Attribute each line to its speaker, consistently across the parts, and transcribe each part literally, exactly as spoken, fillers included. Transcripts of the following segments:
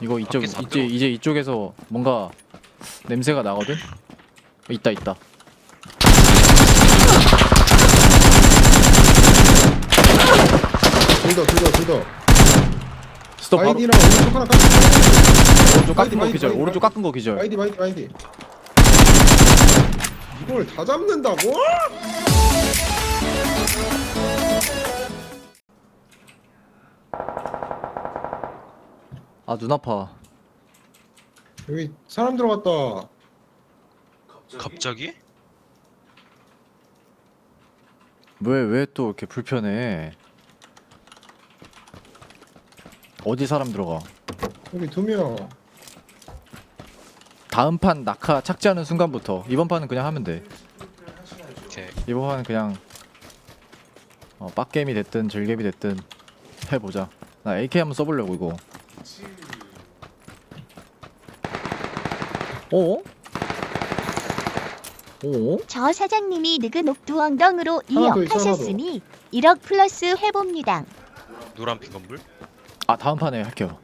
Speaker 1: 이거 이쪽
Speaker 2: 밖에서 안
Speaker 1: 이제
Speaker 2: 들어오네.
Speaker 1: 이제 이쪽에서 뭔가 냄새가 나거든. 있다 있다.
Speaker 3: 둘더 둘더 둘더
Speaker 1: 스톱 바로.
Speaker 3: 아이디랑 오른쪽 하나 깎았어.
Speaker 1: 오른쪽 깎은
Speaker 3: 마이디,
Speaker 1: 거
Speaker 3: 마이디,
Speaker 1: 기절.
Speaker 3: 마이디,
Speaker 1: 오른쪽 깎은 거 기절.
Speaker 3: 아이디 마이디 마이디 이걸 다 잡는다고?
Speaker 1: 아 눈 아파.
Speaker 3: 여기 사람 들어갔다.
Speaker 2: 갑자기?
Speaker 1: 왜 왜 또 이렇게 불편해? 어디 사람 들어가?
Speaker 3: 여기 두명
Speaker 1: 다음 판 낙하 착지하는 순간부터 이번 판은 그냥 하면 돼.
Speaker 2: 오케이.
Speaker 1: 이번 판은 그냥 어, 빡게임이 됐든 즐겜이 됐든 해보자. 나 에이케이 한번 써보려고 이거. 어? 어?
Speaker 4: 저 사장님이 느그 녹두 엉덩으로
Speaker 3: 하나 더
Speaker 4: 이억
Speaker 3: 있어, 하나 더.
Speaker 4: 하셨으니 일억 플러스 회봅니다.
Speaker 2: 노란빛 건물?
Speaker 1: 아 다음 판에 할게요.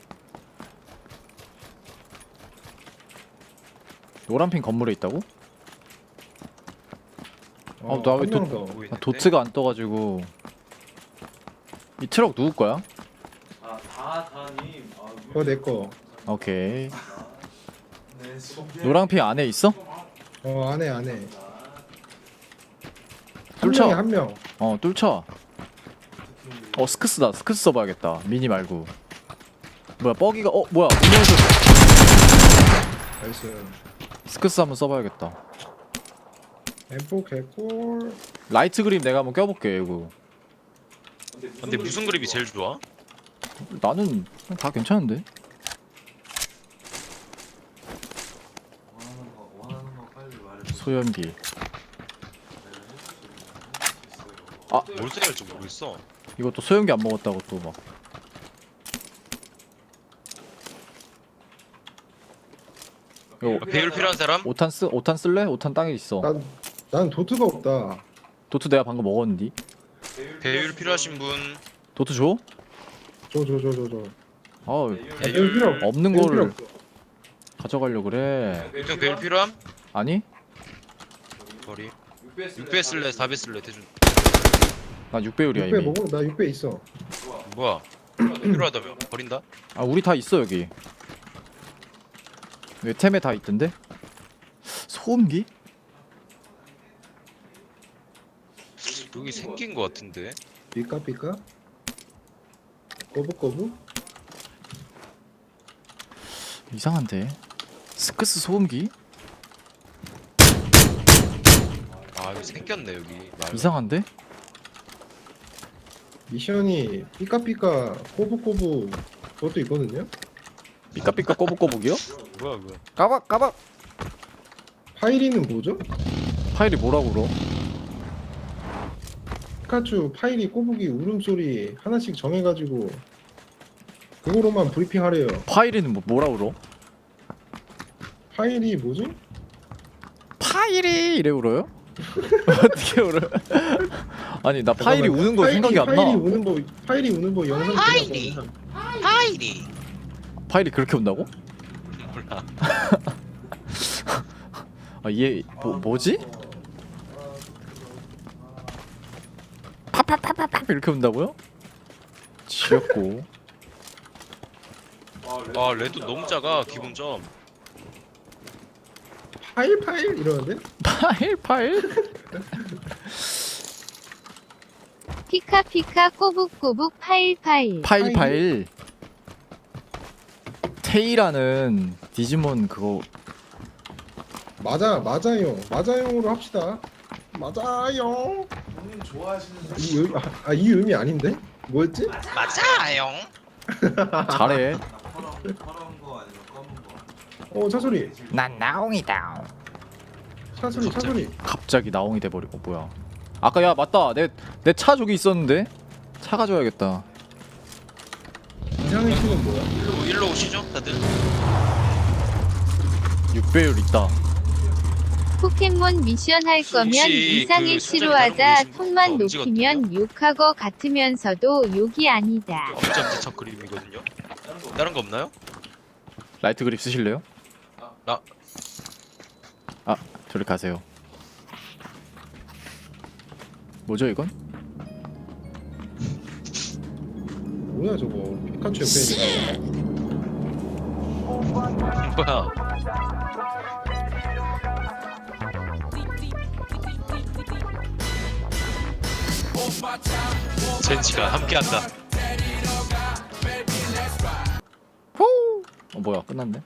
Speaker 1: 노란핀 건물에 있다고? 어, 나왜 또-
Speaker 3: 더.
Speaker 2: 보이는데?
Speaker 1: 아, 도트가 안 떠가지고. 이 트럭 누구 거야?
Speaker 3: 그거 내거.
Speaker 1: 오케이. 노란핀 안에 있어?
Speaker 3: 어 안해 안해. 한
Speaker 1: 뚫쳐.
Speaker 3: 명에 한 명.
Speaker 1: 어 뚫쳐. 어 스크스다. 스크스 써봐야겠다. 미니 말고. 뭐야 뻐기가 어 뭐야 운영에서
Speaker 3: 나이스.
Speaker 1: 스크스 한번 써봐야겠다.
Speaker 3: 엠포 개꿀.
Speaker 1: 라이트 그립 내가 한번 껴볼게 이거.
Speaker 2: 근데 무슨 그립이 제일 좋아?
Speaker 1: 나는 다 괜찮은데. 소염기. 아
Speaker 2: 뭘 써야 할지 모르겠어.
Speaker 1: 이것도 소염기 안 먹었다고 또 막. 이거
Speaker 2: 아, 배율 필요한 사람?
Speaker 1: 오탄 쓰 오탄 쓸래? 오탄 땅에 있어.
Speaker 3: 난, 난 도트가 없다.
Speaker 1: 도트 내가 방금 먹었는디.
Speaker 2: 배율 필요하신 분?
Speaker 1: 도트 줘?
Speaker 3: 줘 줘 줘 줘줘.
Speaker 1: 아
Speaker 3: 배율 필요 없.
Speaker 1: 없는
Speaker 3: 배율 필요
Speaker 1: 거를
Speaker 3: 없어.
Speaker 1: 가져가려 그래.
Speaker 2: 형 배율 필요함?
Speaker 1: 아니?
Speaker 2: 버리. 육 배 쓸래? 사 배 쓸래? 대준.
Speaker 1: 나 육 배율이야
Speaker 3: 육 배
Speaker 1: 이미.
Speaker 3: 먹어. 나 육 배 있어.
Speaker 2: 뭐야? 필요하다며? 버린다?
Speaker 1: 아 우리 다 있어 여기. 왜 템에 다 있던데? 소음기?
Speaker 2: 여기 생긴 거 같은데?
Speaker 3: 삐까 삐까. 꼬부꼬부.
Speaker 1: 이상한데. 스크스 소음기?
Speaker 2: 아 여기 생겼네 여기. 말.
Speaker 1: 이상한데?
Speaker 3: 미션이 삐까삐까 꼬부꼬부 그것도 있거든요.
Speaker 1: 삐까삐까 꼬북꼬북이요?
Speaker 2: 뭐야 뭐야?
Speaker 1: 까박 까박.
Speaker 3: 파이리는 뭐죠?
Speaker 1: 파일이 뭐라고 그러?
Speaker 3: 피카츄 파이리 꼬부기 울음소리 하나씩 정해가지고 그거로만 브리핑하래요.
Speaker 1: 파일이는 뭐 뭐라고 그러?
Speaker 3: 파이리 뭐지?
Speaker 1: 파일이 이래 울어요? 어떻게 울어? 아니 나 파일이
Speaker 3: 잠깐만,
Speaker 1: 우는 거
Speaker 3: 파이리,
Speaker 1: 생각이 안 나.
Speaker 3: 파이리 우는 거 파이리 우는 거 영상
Speaker 2: 파이리!
Speaker 3: 보내서
Speaker 2: 파이리!
Speaker 1: 파일이 그렇게 운다고?
Speaker 2: 몰라.
Speaker 1: 아얘 뭐 뭐지? 파파파파파 이렇게 운다고요? 지렸고.
Speaker 2: 아 레드 너무 작아 기본 점.
Speaker 3: 파일 파일 이러는데?
Speaker 1: 파일 파일?
Speaker 5: 피카피카 꼬북꼬북 파일파일.
Speaker 1: 파일
Speaker 3: 파일?
Speaker 1: 파일. 테이라는 디지몬 그거
Speaker 3: 맞아 맞아요 맞아요로 합시다. 맞아요.
Speaker 6: 형님 좋아하시는
Speaker 3: 이 의, 아, 아, 이 의미 아닌데? 뭐였지?
Speaker 2: 맞아요.
Speaker 1: 잘해.
Speaker 6: 파란 파란 거 아니면 검은 거.
Speaker 3: 어 차소리
Speaker 1: 난 나옹이다.
Speaker 3: 차소리 차소리.
Speaker 1: 갑자기 나옹이 돼버리고 뭐야? 아까 야 맞다 내 내 차 저기 있었는데 차 가져야겠다.
Speaker 3: 이상의 신은 뭐야?
Speaker 2: 일로 일로 오시죠 다들.
Speaker 1: 육 배율 있다.
Speaker 5: 포켓몬 미션 할 거면
Speaker 2: 혹시
Speaker 5: 이상의
Speaker 2: 그
Speaker 5: 시로
Speaker 2: 술자리
Speaker 5: 하자.
Speaker 2: 다루고 계신
Speaker 5: 톤만
Speaker 2: 거 찍었대요?
Speaker 5: 높이면 욕할 거 같으면서도 욕이 아니다.
Speaker 2: 엄청 대척 그림이거든요. 다른 거 없나요?
Speaker 1: 라이트 그립 쓰실래요?
Speaker 2: 나
Speaker 1: 아 저리 가세요. 뭐죠 이건?
Speaker 3: 뭐야 저거 피카츄 옆에 있는
Speaker 2: 뭐야? 젠지가 함께한다.
Speaker 1: 호! 어 뭐야 끝났네.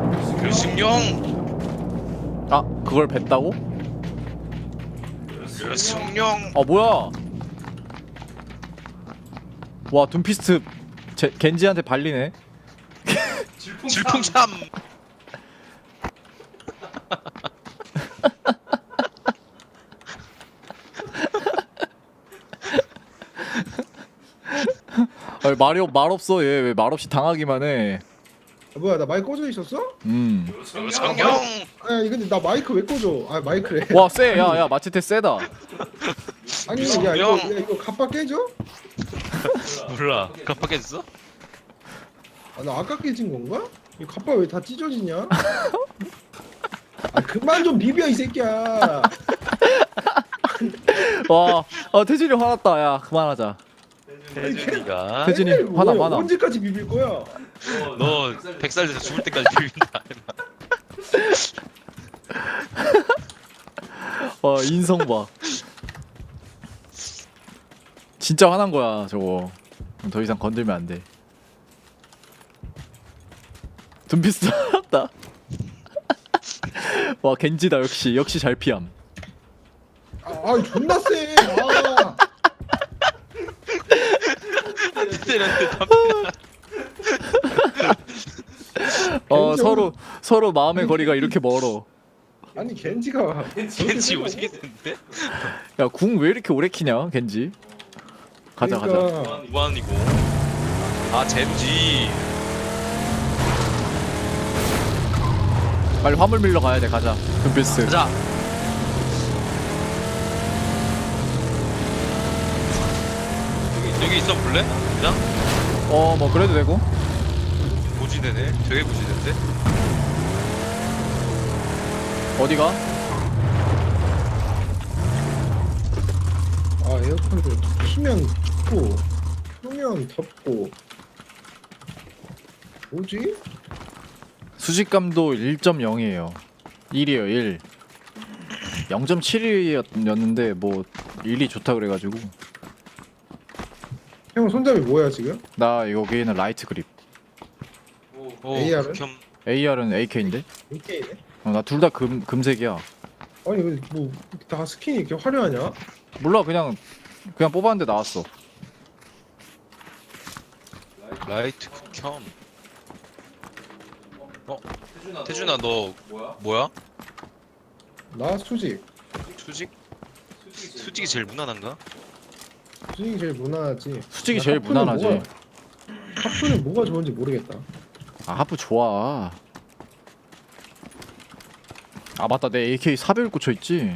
Speaker 2: 승용,
Speaker 1: 아 그걸 뱉다고?
Speaker 2: 승용.
Speaker 1: 아 뭐야? 와 둠피스트 제, 겐지한테 발리네.
Speaker 2: 질풍참.
Speaker 1: 아니, 말이 없- 말 없어 얘 왜 말 없이 당하기만 해.
Speaker 3: 아, 뭐야 나 마이크 꺼져 있었어?
Speaker 1: 음.
Speaker 2: 승용.
Speaker 3: 아니 근데 나 마이크 왜 꺼져? 아 마이크래.
Speaker 1: 와 쎄. 야야 마체테 세다.
Speaker 3: 아니 야 이거 야, 이거 갑바 깨져?
Speaker 2: 몰라. 깜빡했어?
Speaker 3: 아, 나 아까 깨진 건가? 이 갑바 왜 다 찢어지냐? 아 그만 좀 비벼 이 새끼야.
Speaker 1: 와 아, 태준이 화났다. 야 그만하자.
Speaker 2: 태준이가
Speaker 1: 태준이
Speaker 3: 아니,
Speaker 1: 화나
Speaker 3: 뭐야,
Speaker 1: 화나.
Speaker 3: 언제까지 비빌 거야?
Speaker 2: 너 백 살 돼서 죽을 때까지 비빈다.
Speaker 1: 와 인성 봐. 진짜 화난 거야 저거. 더 이상 건들면 안 돼. 둠피스 화났다. 와 겐지다 역시 역시 잘 피함.
Speaker 3: 아, 아 존나 쎄. 아.
Speaker 2: 때렸는데
Speaker 1: 어
Speaker 3: 겐지
Speaker 1: 서로 서로 마음의 거리가 이렇게 멀어.
Speaker 3: 아니 겐지가
Speaker 2: 겐지 오지게 됐는데?
Speaker 1: 야 궁 왜 이렇게 오래 키냐 겐지. 가자 가자.
Speaker 3: 그러니까
Speaker 2: 무한이고. 아 젠지.
Speaker 1: 빨리 화물 밀러 가야 돼. 가자. 둠피스.
Speaker 2: 가자. 여기 여기 있어 볼래? 그냥
Speaker 1: 어 뭐 그래도 되고.
Speaker 2: 고지대네. 되게 고지대인데.
Speaker 1: 어디가?
Speaker 3: 아 에어컨도 키면 춥고 끄면 덥고 뭐지?
Speaker 1: 수직감도 일 점 영이에요. 일이에요 일. 영 점 칠이었는데 뭐 일이 좋다 그래가지고.
Speaker 3: 형 손잡이 뭐야 지금?
Speaker 1: 나 여기는 라이트 그립.
Speaker 2: 오,
Speaker 3: 에이알은?
Speaker 2: 극혐.
Speaker 1: 에이알은 에이케이인데?
Speaker 3: 이케이네?
Speaker 1: 어, 나 둘 다 금 금색이야.
Speaker 3: 아니 왜 뭐 다 스킨이 이렇게 화려하냐?
Speaker 1: 몰라 그냥 그냥 뽑았는데 나왔어.
Speaker 2: 라이트 극혐. 어? 태준아 너 뭐야?
Speaker 3: 나 수직
Speaker 2: 수직? 수직이 제일 무난한가?
Speaker 3: 수직이 제일 무난하지.
Speaker 1: 수직이
Speaker 3: 나
Speaker 1: 제일
Speaker 3: 하프는
Speaker 1: 무난하지.
Speaker 3: 뭐가- 하프는 뭐가 좋은지 모르겠다.
Speaker 1: 아 하프 좋아. 아 맞다 내 에이케이 사백 꽂혀 있지.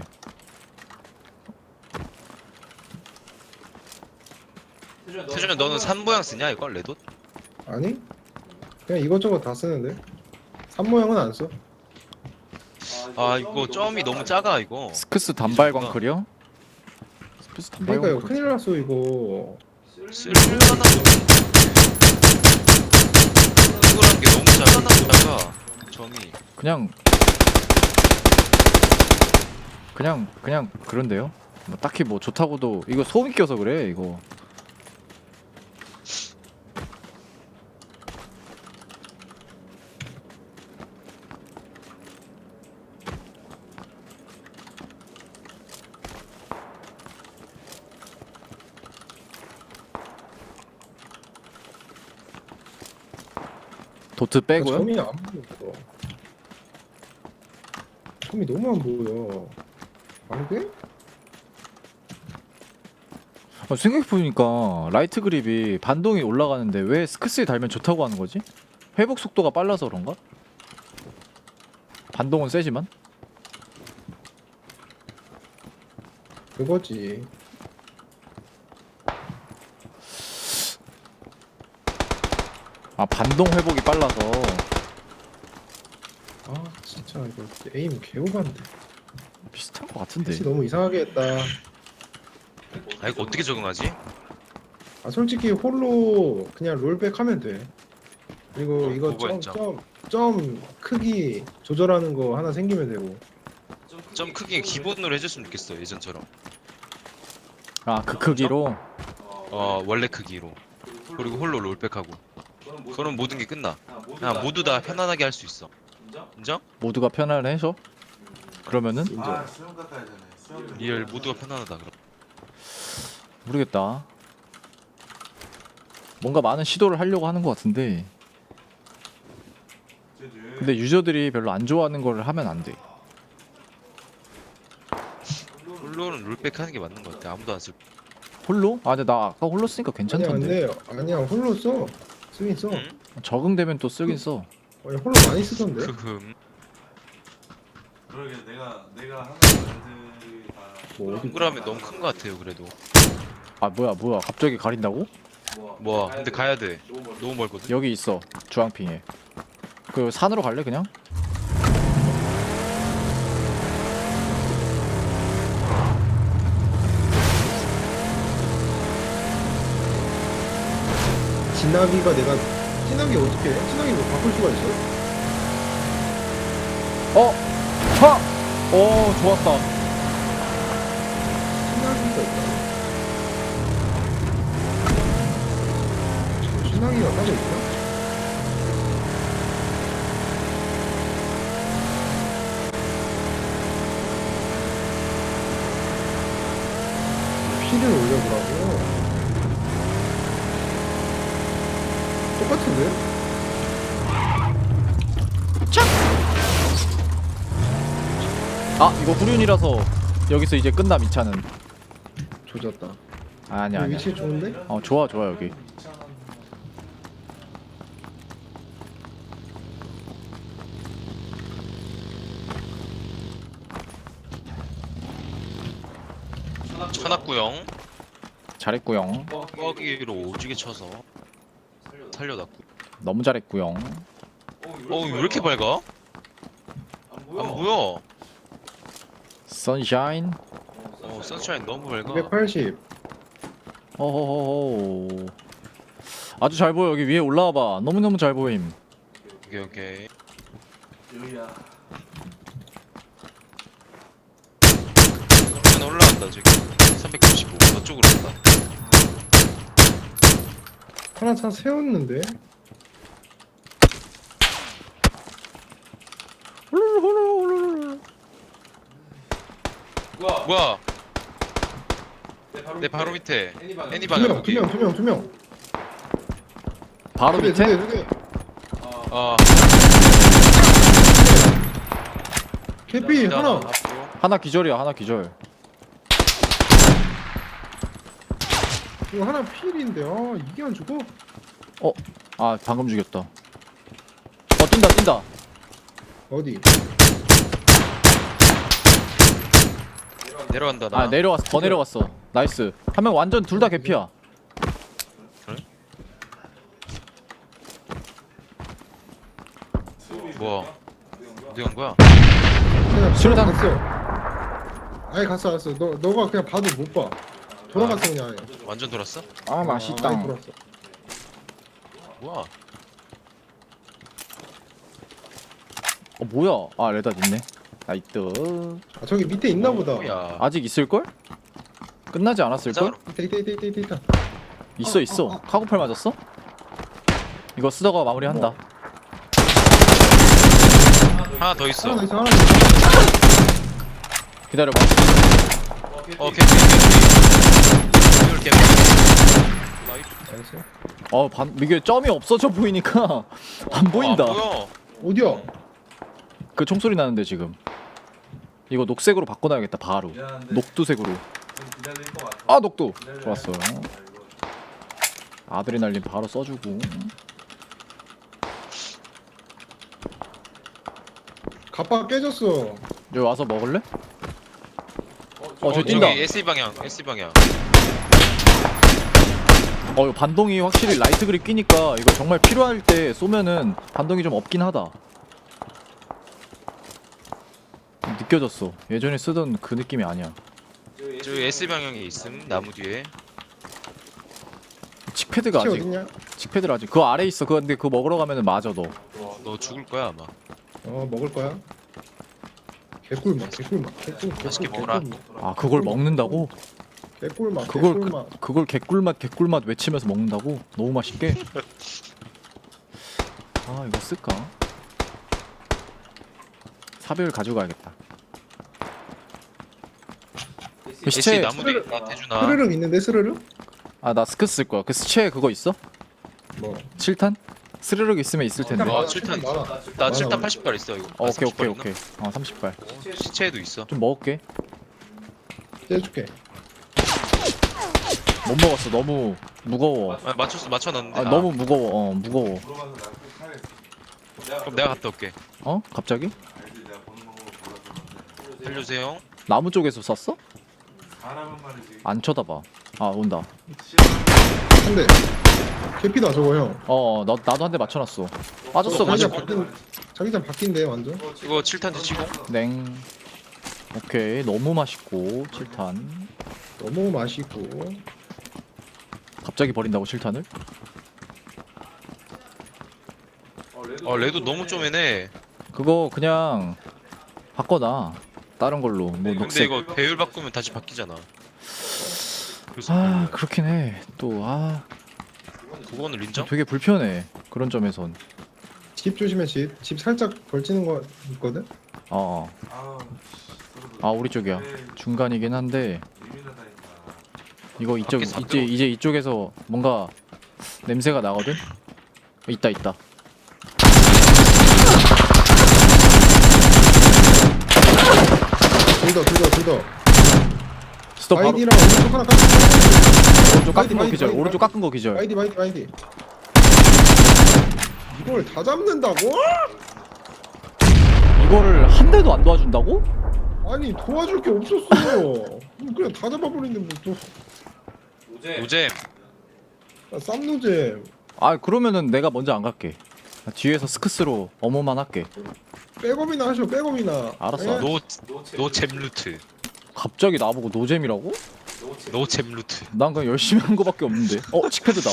Speaker 2: 태준아 너는 산 모양 쓰냐 이거 레돗?
Speaker 3: 아니? 그냥 이것저것 다 쓰는데 산 모양은 안 써.
Speaker 2: 아 이거 점이 너무 작아 이거.
Speaker 1: 스크스 단발 광클이요? 스크스 단발
Speaker 3: 그러니까 이거
Speaker 1: 광클.
Speaker 3: 큰일 났어 이거.
Speaker 2: 쓸만한 이거란 게 너무 작아. 작아. 점이.
Speaker 1: 그냥 그냥 그냥 그런데요. 뭐 딱히 뭐 좋다고도 이거 소음 껴서 그래 이거. 도트 빼고요?
Speaker 3: 점이 안 보여. 점이 너무 안 보여. 안 돼?
Speaker 1: 아, 생각해보니까 라이트 그립이 반동이 올라가는데 왜 스크스에 달면 좋다고 하는 거지? 회복 속도가 빨라서 그런가? 반동은 세지만?
Speaker 3: 그거지.
Speaker 1: 아 반동 회복이 빨라서
Speaker 3: 진짜 이거 에임 개오반데.
Speaker 1: 비슷한 거 같은데.
Speaker 3: 패치 너무 이상하게 했다.
Speaker 2: 아 이거 어떻게 적응하지?
Speaker 3: 아 솔직히 홀로 그냥 롤백 하면 돼. 그리고
Speaker 2: 어,
Speaker 3: 이거
Speaker 2: 그거
Speaker 3: 점,
Speaker 2: 있죠.
Speaker 3: 점, 점 크기 조절하는 거 하나 생기면 되고.
Speaker 2: 점 크기 기본으로 해줬으면 좋겠어 예전처럼.
Speaker 1: 아 그 크기로.
Speaker 2: 어 원래 크기로. 그리고 홀로 롤백하고. 그럼 모든 게 끝나. 그냥 모두 다 편안하게 할 수 있어. 인정?
Speaker 1: 모두가 편안해서. 그러면은
Speaker 6: 아 수영 깎아야 되네. 수영
Speaker 2: 리얼 모두가 편안하다 그럼.
Speaker 1: 모르겠다. 뭔가 많은 시도를 하려고 하는 것 같은데. 근데 유저들이 별로 안 좋아하는 거를 하면 안 돼.
Speaker 2: 홀로는 롤백 하는 게 맞는 것 같아. 아무도 안 쓸.
Speaker 1: 홀로? 아 근데 나 아까 홀로 쓰니까
Speaker 3: 아니야
Speaker 1: 괜찮던데.
Speaker 3: 근데 아니야 홀로 써. 쓰긴 써.
Speaker 2: 응?
Speaker 1: 적응되면 또 쓰긴 써.
Speaker 3: 아니 홀로 많이 쓰던데.
Speaker 2: 크흠.
Speaker 6: 그러게 내가 내가 하는 애들이 다
Speaker 3: 뭐 어디
Speaker 2: 동그라미 너무 큰 것 같아요. 그래도.
Speaker 1: 아 뭐야 뭐야 갑자기 가린다고?
Speaker 2: 뭐 근데 가야 돼. 너무 멀거든.
Speaker 1: 여기 있어 주황핑에. 그 산으로 갈래 그냥?
Speaker 3: 진나기가 내가 진나기 어떻게 해? 진나기 뭐 바꿀 수가 있어?
Speaker 1: 어! 하! 오 좋았다.
Speaker 3: 진나기가 있다. 진나기가 따로 있나? 피를 올려보라고. 똑같은데?
Speaker 1: 아 이거 후륜이라서 여기서 이제 끝남 이 차는.
Speaker 3: 조졌다.
Speaker 1: 아, 아니야 아니야.
Speaker 3: 위치 좋은데?
Speaker 1: 어 좋아 좋아 여기.
Speaker 2: 천학구형.
Speaker 1: 잘했구용.
Speaker 2: 뻐기로 오지게 쳐서 살려놨고.
Speaker 1: 너무 잘했구용.
Speaker 2: 어왜 이렇게 밝아? 안 보여.
Speaker 1: 선샤인.
Speaker 2: 어 선샤인 너무 밝아.
Speaker 3: 이백팔십.
Speaker 1: 어허허허. 아주 잘 보여. 여기 위에 올라와봐. 너무너무 잘 보임.
Speaker 2: 오케이 오케이.
Speaker 6: 여기야.
Speaker 2: 하나 올라간다 지금. 삼백구십오. 저쪽으로 간다.
Speaker 3: 하나 차 세웠는데?
Speaker 2: 뭐야? 내 바로 밑에 애니
Speaker 3: 두
Speaker 2: 방향
Speaker 3: 명, 두
Speaker 2: 거기.
Speaker 3: 명, 두 명, 두 명.
Speaker 1: 바로
Speaker 3: 두 개, 두
Speaker 1: 밑에?
Speaker 3: 개, 두 개.
Speaker 2: 어.
Speaker 3: 개피
Speaker 2: 자,
Speaker 3: 하나.
Speaker 2: 앞으로.
Speaker 1: 하나 기절이야. 하나 기절.
Speaker 3: 이거 하나 필인데. 아 이게 안 죽어?
Speaker 1: 아 방금 죽였다. 어 뛴다 뛴다.
Speaker 3: 어디?
Speaker 2: 내려간다 나.
Speaker 1: 아 내려왔어. 더 내려갔어. 나이스. 한 명 완전 둘 다 개피야.
Speaker 2: 뭐야? 어디 간 거야?
Speaker 3: 그냥
Speaker 1: 수류탄.
Speaker 3: 갔어. 아예 갔어, 갔어. 너 너가 그냥 봐도 못 봐. 돌아갔어 그냥. 아예.
Speaker 2: 완전 돌았어?
Speaker 1: 아
Speaker 3: 아예
Speaker 1: 맛있다.
Speaker 3: 돌았어.
Speaker 2: 뭐야?
Speaker 1: 어 뭐야? 아 레닷 있네. 나이트.
Speaker 3: 아 저기 밑에 있나 보다.
Speaker 2: 뭐야?
Speaker 1: 아직 있을 걸? 끝나지 않았을 걸?
Speaker 3: 있다, 있다, 있다, 있다, 있다, 있다.
Speaker 1: 있어 있어.
Speaker 3: 어, 어.
Speaker 1: 카고팔 맞았어? 이거 쓰다가 마무리한다.
Speaker 2: 하나 더 있어.
Speaker 3: 하나 더 있어, 하나 더 있어.
Speaker 1: 기다려봐.
Speaker 2: 어 개피 개피. 이걸 개피.
Speaker 3: 알았어.
Speaker 1: 어 반, 이게 점이 없어져 보이니까 안 보인다.
Speaker 2: 어, 안 보여.
Speaker 3: 어디야?
Speaker 1: 그 총소리 나는데 지금. 이거 녹색으로 바꿔놔야겠다 바로.
Speaker 6: 미안한데
Speaker 1: 녹두색으로.
Speaker 6: 좀 기다릴 것 같아.
Speaker 1: 아 녹두.
Speaker 6: 기다려야
Speaker 1: 좋았어요.
Speaker 6: 돼. 아, 이거
Speaker 1: 아드레날린 바로 써주고.
Speaker 3: 갑바 깨졌어.
Speaker 1: 여기 와서 먹을래? 어
Speaker 2: 어
Speaker 1: 저기
Speaker 2: 저기
Speaker 1: 뛴다.
Speaker 2: 에스이 방향 에스이 방향.
Speaker 1: 어 이거 반동이 확실히 라이트 그립 끼니까 이거 정말 필요할 때 쏘면은 반동이 좀 없긴 하다. 느껴졌어. 예전에 쓰던 그 느낌이 아니야.
Speaker 2: 저기 S 방향에 있음 나무 뒤에.
Speaker 1: 칙패드가
Speaker 3: 치
Speaker 1: 아직
Speaker 3: 어딨냐?
Speaker 1: 칙패드가 아직 그 아래 있어. 그거 근데 그거 먹으러 가면은 맞아 너.
Speaker 2: 너 죽을 거야 아마.
Speaker 3: 어 먹을 거야. 개꿀맛 개꿀맛 개꿀
Speaker 2: 맛있게
Speaker 3: 개꿀,
Speaker 2: 먹어라.
Speaker 3: 개꿀맛.
Speaker 1: 아 그걸 먹는다고?
Speaker 3: 개꿀맛
Speaker 1: 그걸
Speaker 3: 개꿀맛.
Speaker 1: 그걸 개꿀맛 개꿀맛 외치면서 먹는다고? 너무 맛있게? 아 이거 쓸까? 사별 가져가야겠다. 그
Speaker 2: S
Speaker 1: 시체
Speaker 2: 나무 뒤에 있다 태준아.
Speaker 3: 스르륵 있는데 스르륵?
Speaker 1: 아 나 스크스 쓸 거야. 그 시체 그거 있어?
Speaker 3: 뭐?
Speaker 1: 칠 탄? 스르륵 있으면 있을 텐데.
Speaker 2: 어,
Speaker 3: 많아,
Speaker 2: 칠 탄
Speaker 3: 많아.
Speaker 2: 나
Speaker 3: 많아,
Speaker 2: 칠 탄
Speaker 3: 많아.
Speaker 2: 팔십 발 있어 이거.
Speaker 1: 어,
Speaker 2: 아,
Speaker 1: 오케이
Speaker 2: 삼십 발
Speaker 1: 오케이
Speaker 2: 있나?
Speaker 1: 오케이. 어 삼십 발.
Speaker 2: 어, 시체에도 있어.
Speaker 1: 좀 먹을게.
Speaker 3: 떼줄게.
Speaker 1: 못 먹었어. 너무 무거워.
Speaker 2: 아, 맞췄어 맞춰놨는데.
Speaker 1: 아
Speaker 2: 아,
Speaker 1: 너무 무거워. 어 무거워.
Speaker 6: 물어봐서 나꼭 사겠어.
Speaker 2: 그럼 내가 갔다 올게.
Speaker 1: 어? 갑자기?
Speaker 6: 알지 내가 보는 방법을 몰라서.
Speaker 2: 살려주세요.
Speaker 1: 나무 쪽에서 쐈어?
Speaker 6: 사람은 말이지.
Speaker 1: 안 쳐다봐. 아 온다.
Speaker 3: 한대. 개피다 저거 형.
Speaker 1: 어 나, 나도 한 대 맞춰놨어. 빠졌어
Speaker 3: 자기장
Speaker 1: 맞아.
Speaker 3: 바뀐 자기장 바뀐데 완전.
Speaker 2: 이거 칠 탄 뒤치고.
Speaker 1: 냉. 오케이 너무 맛있고 칠 탄.
Speaker 3: 너무 맛있고.
Speaker 1: 갑자기 버린다고 칠 탄을?
Speaker 2: 어 레도 너무 좀 애네.
Speaker 1: 그거 그냥 바꿔놔. 다른 걸로 뭐
Speaker 2: 근데
Speaker 1: 녹색.
Speaker 2: 이거 배율 바꾸면 다시 바뀌잖아. 그래서
Speaker 1: 아
Speaker 2: 별로야.
Speaker 1: 그렇긴 해. 또 아
Speaker 2: 그거는 인정?
Speaker 1: 되게 불편해. 그런 점에선.
Speaker 3: 집 조심해 집. 집 살짝 걸치는 거 있거든.
Speaker 1: 어. 어.
Speaker 6: 아,
Speaker 1: 아 우리 쪽이야. 중간이긴 한데
Speaker 6: 예민하다니까.
Speaker 1: 이거 이쪽
Speaker 2: 밖에서 안
Speaker 1: 이제 이제 이쪽에서 뭔가 냄새가 나거든. 어, 있다 있다.
Speaker 3: 둘더 둘더 둘더.
Speaker 1: 스톱 바로.
Speaker 3: 아이디랑 오른쪽 하나 깎은
Speaker 1: 오른쪽 깎은 거
Speaker 3: 마이디,
Speaker 1: 기절.
Speaker 3: 마이디,
Speaker 1: 오른쪽
Speaker 3: 마이디.
Speaker 1: 깎은 거 기절.
Speaker 3: 아이디 마이디 마이디. 이걸 다 잡는다고?
Speaker 1: 이거를 한 대도 안 도와준다고?
Speaker 3: 아니 도와줄 게 없었어. 그냥 다 잡아버리는데 뭐또
Speaker 2: 노잼.
Speaker 3: 쌈노잼.
Speaker 1: 아 그러면은 내가 먼저 안 갈게. 나 뒤에서 스크스로 어머만 할게.
Speaker 3: 백업이나 하셔 백업이나.
Speaker 1: 알았어.
Speaker 3: 예?
Speaker 2: 노 노잼 루트.
Speaker 1: 갑자기 나보고 노잼이라고?
Speaker 2: 노잼 루트.
Speaker 1: 난 그냥 열심히 한 거밖에 없는데. 어 칙패드다.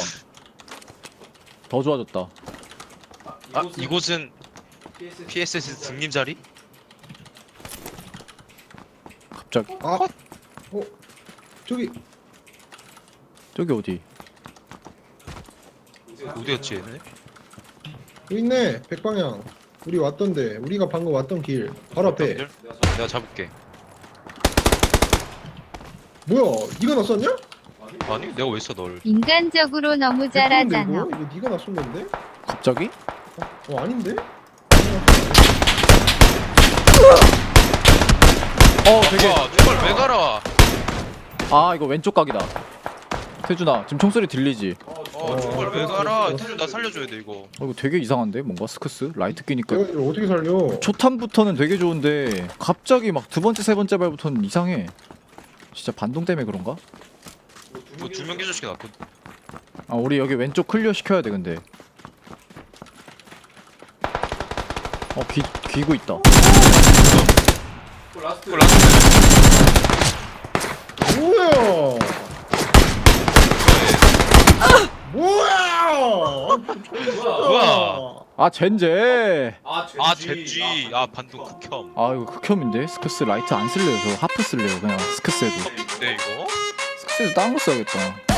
Speaker 1: 더 좋아졌다.
Speaker 2: 아 이곳은 피에스에스 등림 자리?
Speaker 1: 갑자기
Speaker 3: 아. 어. 저기
Speaker 1: 저기 어디?
Speaker 2: 어디였지 얘네?
Speaker 3: 여기 있네 백방향. 우리 왔던데 우리가 방금 왔던 길 바로 앞에.
Speaker 2: 형들? 내가 잡을게.
Speaker 3: 뭐야? 네가 놨었냐?
Speaker 2: 아니 내가 왜 써 널?
Speaker 5: 인간적으로 너무 잘하잖아.
Speaker 3: 이거 이거 네가 놨었는데?
Speaker 1: 갑자기?
Speaker 3: 어 아닌데?
Speaker 1: 어 되게.
Speaker 2: 아 저걸 왜 갈아?
Speaker 1: 아 이거 왼쪽 각이다. 태준아 지금 총소리 들리지?
Speaker 2: 어 저걸 왜 갈아? 태준 나 살려줘야 돼 이거.
Speaker 1: 어 이거 되게 이상한데 뭔가 스크스 라이트 끼니까.
Speaker 3: 내가 이걸 어떻게 살려?
Speaker 1: 초탄부터는 되게 좋은데 갑자기 막 두 번째 세 번째 발부터는 이상해. 진짜 반동 때문에 그런가?
Speaker 2: 뭐두명 기절시켜 놨거든.
Speaker 1: 아 우리 여기 왼쪽 클리어 시켜야 돼 근데. 어 귀, 귀고 있다.
Speaker 2: 그거 라스트.
Speaker 3: 뭐야? 뭐야?
Speaker 2: 뭐야?
Speaker 1: 아 젠제.
Speaker 2: 아 젠지. 아 반동 극혐.
Speaker 1: 아 이거 극혐인데? 스크스 라이트 안 쓸래요. 저 하프 쓸래요. 그냥 스크스에도.
Speaker 2: 네 이거?
Speaker 1: 스크스에도 다른 거 써야겠다.